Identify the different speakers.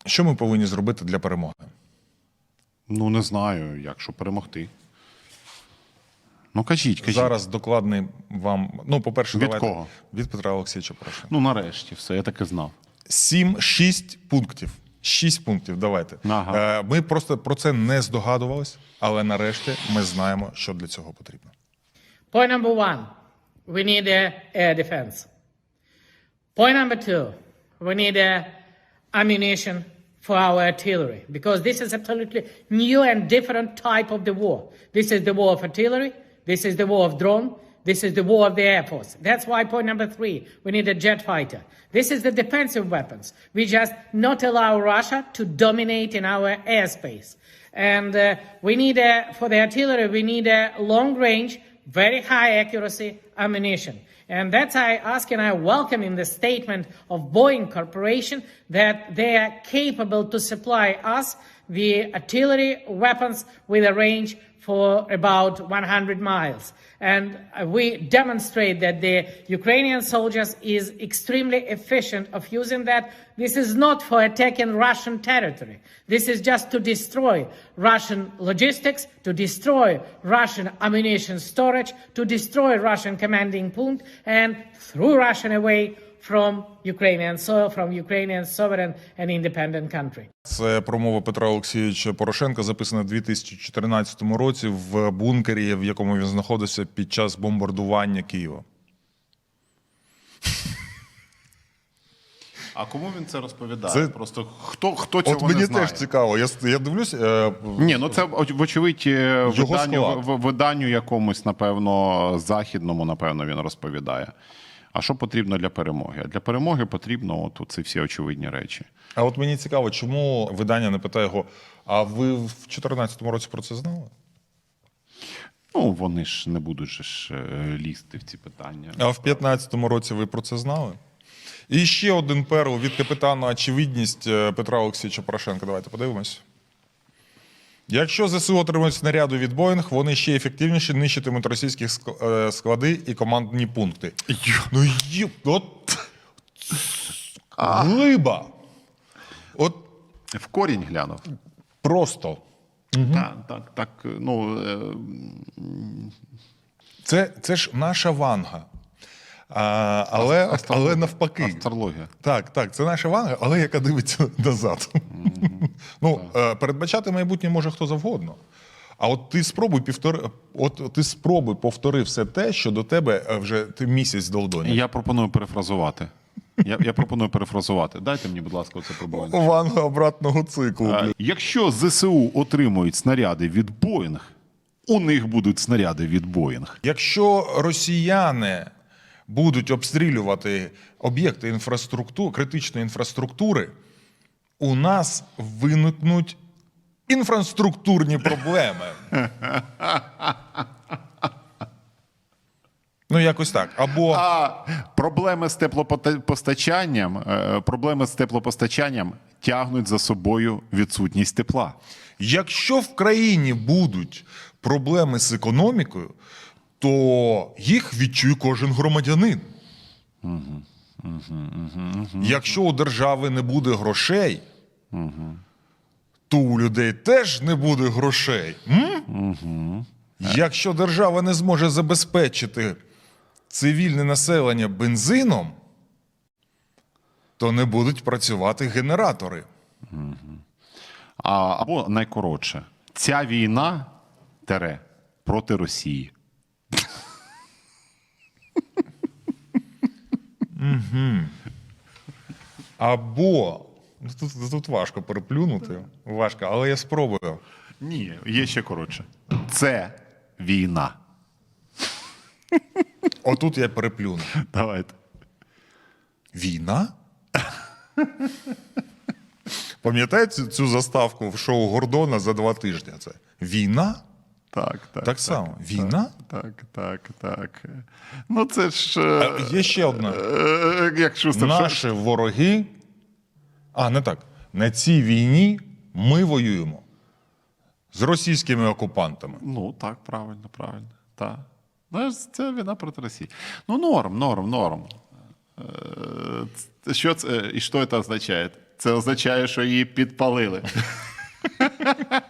Speaker 1: Що ми повинні зробити для перемоги?
Speaker 2: Ну, не знаю, як, щоб перемогти. Ну, кажіть.
Speaker 1: Зараз докладний вам... Ну, по-перше,
Speaker 2: Від
Speaker 1: давайте...
Speaker 2: кого?
Speaker 1: Від Петра Олексійовича Порошенка.
Speaker 2: Ну, нарешті, все, я так і знав.
Speaker 1: 6 пунктів. 6 пунктів, давайте.
Speaker 2: Ага.
Speaker 1: Ми просто про це не здогадувались, але нарешті ми знаємо, що для цього потрібно.
Speaker 3: Point number one, we need air defense. Point number two, we need ammunition for our artillery, because this is absolutely new and different type of the war. This is the war of artillery, this is the war of drone, this is the war of the Air Force. That's why point number three, we need a jet fighter. This is the defensive weapons. We just not allow Russia to dominate in our airspace. And we need, for the artillery, we need a long range, very high accuracy ammunition. And that's I ask and I welcome in the statement of Boeing Corporation that they are capable to supply us the artillery weapons with a range for about 100 miles. And we demonstrate that the Ukrainian soldiers is extremely efficient of using that. This is not for attacking Russian territory. This is just to destroy Russian logistics, to destroy Russian ammunition storage, to destroy Russian commanding point, and throw Russia away from Ukrainian soil, from Ukrainian sovereign and independent country.
Speaker 1: Це промова Петра Олексійовича Порошенка, записана в 2014 році в бункері, в якому він знаходився під час бомбардування Києва.
Speaker 2: А кому він це розповідає?
Speaker 1: Це...
Speaker 2: Просто хто цього
Speaker 1: От мені
Speaker 2: не знає?
Speaker 1: теж цікаво. Я дивлюсь...
Speaker 2: Ні, ну це, вочевидь, виданню якомусь, напевно, західному, напевно, він розповідає. А що потрібно для перемоги? А для перемоги потрібно ці всі очевидні речі.
Speaker 1: А от мені цікаво, чому видання не питає його, а ви в 2014 році про це знали?
Speaker 2: Ну, вони ж не будуть ж лізти в ці питання.
Speaker 1: А в 2015 році ви про це знали? І ще один перл від капітана очевидність Петра Олексійовича Порошенка. Давайте подивимось. Якщо ЗСУ отримують снаряди від Боїнг, вони ще ефективніше нищитимуть російські склади і командні пункти. Ну, от... Глиба! От...
Speaker 2: В корінь глянув.
Speaker 1: Просто.
Speaker 2: Так, ну...
Speaker 1: Це ж наша Ванга. Але навпаки.
Speaker 2: Астрологія.
Speaker 1: Так, це наша Ванга, але яка дивиться назад. Передбачати майбутнє може хто завгодно. А от ти спробуй повтори все те, що до тебе вже ти місяць долдонять.
Speaker 2: Я пропоную перефразувати. Я пропоную перефразувати. Дайте мені, будь ласка, оце пробування.
Speaker 1: Ванга обратного циклу.
Speaker 2: Якщо ЗСУ отримують снаряди від Боїнг, у них будуть снаряди від Боїнг.
Speaker 1: Якщо росіяни будуть обстрілювати об'єкти критичної інфраструктури, у нас виникнуть інфраструктурні проблеми. Ну, якось так. Або...
Speaker 2: Проблеми з теплопостачанням тягнуть за собою відсутність тепла.
Speaker 1: Якщо в країні будуть проблеми з економікою, то їх відчує кожен громадянин. Якщо у держави не буде грошей, то у людей теж не буде грошей. Якщо держава не зможе забезпечити цивільне населення бензином, то не будуть працювати генератори.
Speaker 2: Або найкоротше, ця війна проти Росії.
Speaker 1: Або, тут важко переплюнути, але я спробую.
Speaker 2: Ні, є ще коротше. Це війна.
Speaker 1: Отут я переплюну.
Speaker 2: Давайте.
Speaker 1: Війна? Пам'ятаєте цю заставку в шоу Гордона за 2 тижні? Це війна? Так само. Війна?
Speaker 2: Так. Ну це ж...
Speaker 1: Є ще одна.
Speaker 2: Як Шустер.
Speaker 1: Наші вороги... не так. На цій війні ми воюємо з російськими окупантами.
Speaker 2: Ну так, правильно. Так. Ну, це війна проти Росії. Ну, норм. Що це, і що це означає? це означає, що її підпалили.